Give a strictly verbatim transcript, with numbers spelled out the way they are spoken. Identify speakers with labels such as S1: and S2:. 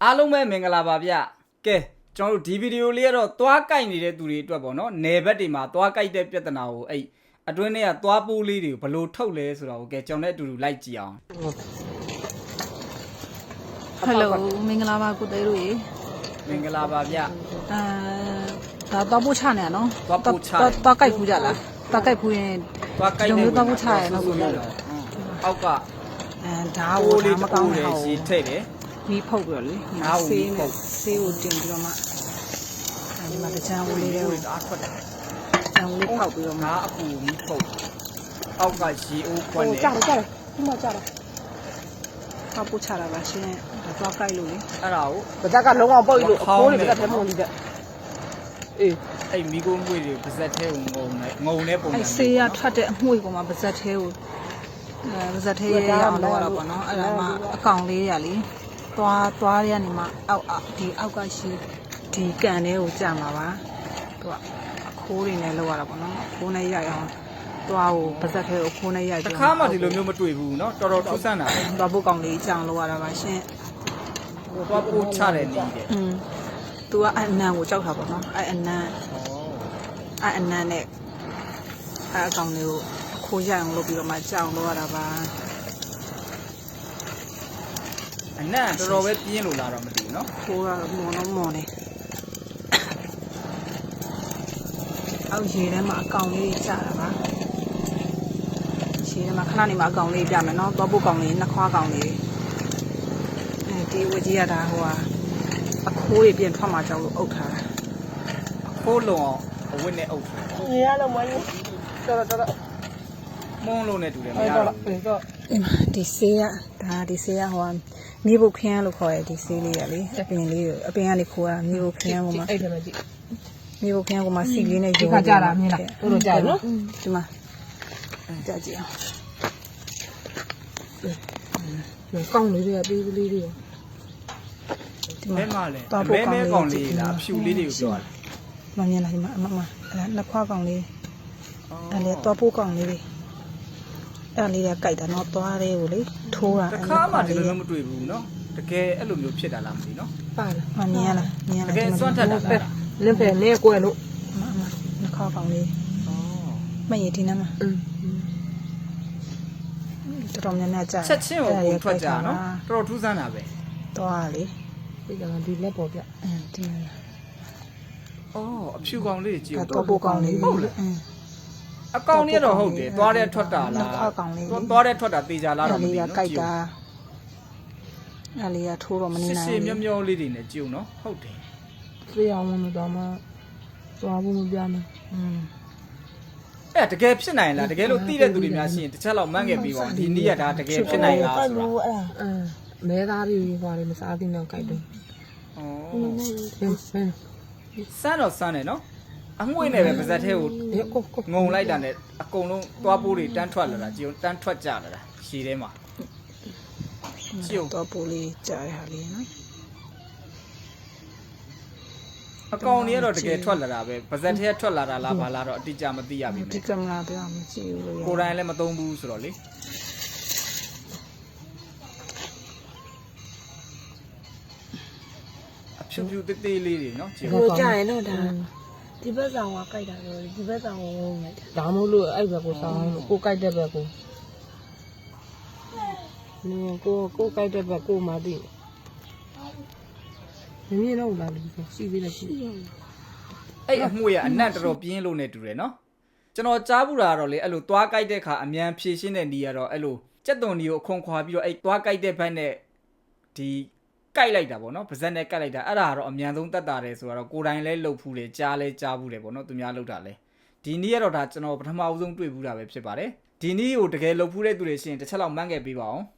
S1: အားလုံးပဲမင်္ဂလာပါဗျကဲကျွန်တော်တို့ဒီဗီဒီယိုလေးကတော့သွားကြိုက်နေတဲ့သူတွေအတွက်ပေါ့နော်နယ်ဘက်တွေမှာသွားကြိုက်တဲ့ပြဿနာကိုအဲ့အတွင်းထဲကသွားပိုးလေးတွေကိုဘယ်လိုထုတ်လဲဆိုတာကိုကဲကျွန်တော်လည်းအတူတူလိုက်ကြည့်အောင်
S2: ဟယ်လိုမင်္ဂလာပါကိုတဲတို့ရေ
S1: မင်္ဂလာပါဗျ
S2: အဲဒါတော့ပို့ချနေရနော်
S1: သွားပို့ချ
S2: သွားကြိုက်ဖူးကြလားသွားကြိုက်ဖူးရင်
S1: သွားကြိုက်နေ
S2: သွားပို့ချရနော်ကိုလည်း
S1: အောက်က
S2: အဲဒါကိုဒါမကောင်းဘူး
S1: ရှည်ထိတ်တယ်
S2: မီးဖုတ်ပြီးတော့လေဆေးနဲ့ဆေးကိုတင်ပြီးတော့မှအဲဒီမှာတချမ်းဝလေးတွေကို
S1: အားထွက်တယ်
S2: ချမ်းဝလေးဖောက်ပြီးတော့မှ
S1: ငါအပူမီးဖုတ်အောက်ကရေအိုးခွန်းနေ
S2: ကြာတယ်ကြာတယ်ဒီမှာကြာတယ်ဖောက်ပို့ချတာပါရှင်ဒါသွားကြိုက်လို့လေ
S1: အဲ့ဒါကို
S3: ဗဇက်ကလုံးအောင်ပုတ်လို့အခိုးတွေဗဇက်ထဲမှာဝင်ကြအေး
S1: အဲ့မီးကိုငွေတွေဗဇက်ထဲကိုငုံနေငုံနေပုံစံ
S2: အဲ့ဆေးရထွက်တဲ့အငွေပေါ်မှာဗဇက်ထဲကိုအဲဗဇက်ထဲရအောင်လုပ်ရတာပေါ့နော်အဲ့ဒါမှအကောင်လေးရလေသွားသွားရနေမှာအောက်ဒီအောက်ကရှိဒီကန်လေးကိုကြာမှာပါသူကအခိုးတွေနဲ့လောက်ရတာပေါ့နော်အခိုးနဲ့ရိုက်အောင်သွားကိုပါဇက်ထဲကိုအခိုးနဲ့ရိုက်
S1: ပြီးတခါမှဒီလိုမျိုးမတွေ့ဘူးเนาะတော်တော်ထူးဆန်းတာ
S2: သွားဖို့ကောင်လေးကြာအောင်လောက်ရတာပါရှင်
S1: သွားပို့ချတယ်နေတယ်
S2: อืมသူကအနံကိုကြောက်တာပေါ့နော်အဲ့အနံအဲ့အနံနဲ့အဲ့အကောင်လေးကိုအခိုးရိုက်အောင်လုပ်ပြီးတော့မှကြာအောင်လောက်ရတာပါ
S1: အနံ့တော်တော်ပဲပြင်းလို့လာတော့မသိဘူးเนาะ
S2: ခိုးရမော်တော့မော်နေအောက်ရေထဲမှာအကောင်လေးကြာတာပါရေထဲမှာခဏနေမှာအကောင်လေးပြမယ်เนาะသွားဖို့ကောင်လေးနှစ်ခွားကောင်လေးအဲဒီဝကြီးရတာဟိုဟာအခိုးတွေပြင်ထွက်မှာကြောက်လို့အုပ်ထားတာ
S1: အခိုးလုံးအောင်အဝတ်နဲ့အုပ်ထား
S3: ရေရလုံးမင်းတော်တော်တော်
S1: မုန်းလို့နဲ့တူတယ်မရဘူး
S3: တော့
S2: ဒီဆေးရဒါဒီဆေးရဟိုဟာမြေပုတ်ခင်းလို့ခေါ်ရဒီဆေးလေးရလေအပင်လေးကိုအပင်ကနေခိုးတာမြေပုတ်ခင်းကိုမှ
S3: အဲ့ဒါပဲကြည့်
S2: မြေပုတ်ခင်းကိုမှစီလေးနဲ့
S3: ရုံးခါကြတာမြင်လားတို့တို့ကြာနော်
S2: ဒီမှာကြာကြည့်
S3: အောင်ကောင်းလေးတွေကပေးကလေးတွေ
S1: ဒီမှာမဲမလဲမဲမဲကောင်လေးလားအဖြူလေးတွေကိုပြောတာ
S2: မမြင်လားဒီမှာအမမအဲ့ဒါနှစ်ခွားကောင်လေးအဲ့လေတော့ပိုးကောင်လေးတွေအဲ့လေးကကြိုက်တာတော့သွားတယ်ကိုလေထိုးတာ
S1: တခါမှဒီလိုမျိုးမတွေ့ဘူးเนาะတကယ်အဲ့လိုမျိုးဖြစ်တာလားမသိเนาะ
S2: ပါလားမမြင်လားမြင်လား
S1: တကယ်စွန့်ထက်တာလား
S3: လင်းဖယ်နေကွယ်လို့
S2: အမအမနှစ်ခွားကောင်လေး
S1: ဩ
S2: မရဒီနားမှာ
S3: อืม
S2: တော်တော်များများကြာ
S1: ချက်ချင်းကိုပုံထွက်ကြเนาะတော်တော်ထူးဆန်းတာပဲ
S2: သွားလေ
S3: ဒီကံဒီလက်ပေါ်ပြ
S2: အင်းဒီမှာ
S1: ဩအဖြူကောင်လေးကြည့်
S2: တော့ပိုးကောင်လေး
S1: ဟုတ်လားအကောင်လေးတော့ဟုတ်တယ်သွားတဲ့ထွက်တာလားသွားတဲ့ထွက်တာတေချာလားတော့မသိဘူး
S2: နော်ကြိုက်တာအဲ့လေးကထိုးတော့မနေနိုင်ဘူး
S1: စစ်စစ်မျောမျောလေးတွေနဲ့ကြုံနော်ဟုတ်တယ်
S3: ပြေးအောင်လို့တော့မှသွားဖို့မပြမယ်
S2: อืม
S1: အဲ့တကယ်ဖြစ်နိုင်လားတကယ်လို့သိတဲ့သူတွေများရှိရင်တစ်ချက်လောက်မှန်းခဲ့ပြီးပါဒီနေ့ကဒါတကယ်ဖြစ်နိုင်လားဆိုတာ
S3: အဲ့ဒါအင်းမဲသားတွေဟွာတွေမစားသေးတော့ကြိုက်တယ်
S1: ဩစမ်းတော့စမ်းတယ်နော်အငွေ့နဲ့ပဲပါဇက်ထဲကိုငုံလိုက်တာနဲ့အကုန်လုံးသွားပိုးတွေတန်းထွက်လာတာကြည်တန်းထွက်ကြလာတာရှည်ထဲမှာ
S2: ကြည်သွားပိုးလေးကြားရဟာလေးနော်
S1: အကောင်ကြီးကတော့တကယ်ထွက်လာတာပဲပါဇက်ထဲထွက်လာတာလားဘာလားတော့အတိအကျမသိရပြီ
S2: ဒီကင်မရာပြောမကြည့်ဘူးလို့
S1: ကိုယ်တိုင်လည်းမသုံးဘူးဆိုတော့လေအဖြူဖြူတေးသေးလေးတွေနော်ကြည်
S3: ကိုကြားရတော့ဒါဒီဘက်ဆောင်ကကြိုက်တာလို့ဒီဘက်ဆောင်ကိုဝုန်းလိုက်တာဒါမို့လို့အဲ့ဘက်ကိုဆောင်လို့ကိုကြိုက်တဲ့ဘက်ကိုနင်ကိုကိုကြိုက်တဲ့ဘက်ကိုမှသိမမြင်တော့လားဒီစီသေးတယ်ရှိ
S1: အဲ့အမှုရအနက်တော်တော်ပြင်းလို့နေတူတယ်နော်ကျွန်တော်ကြားဘူးတာကတော့လေအဲ့လိုသွားကြိုက်တဲ့ခါအမြန်ဖြည့်ရှင်းတဲ့နေရာတော့အဲ့လိုကြက်သွန်ဒီကိုအခွန်ခွာပြီးတော့အဲ့သွားကြိုက်တဲ့ဘက်နဲ့ဒီကြိုက်လိုက်တာပေါ့နော်ပါဇက်နဲ့ကြိုက်လိုက်တာအဲ့ဒါကတော့အမြန်ဆုံးတတ်တာတယ်ဆိုတော့ကိုယ်တိုင်လဲလှုပ်ဖူးတယ်ကြားလဲကြားဘူးတယ်ပေါ့နော်သူများလှုပ်တာလဲဒီနေ့ကတော့ဒါကျွန်တော်ပထမအဦးဆုံးတွေ့ဘူးတာပဲဖြစ်ပါတယ်ဒီနေ့ကိုတကယ်လှုပ်ဖူးတဲ့သူတွေရှိရင်တစ်ချက်လောက်မှန်းခဲ့ပေးပါအောင်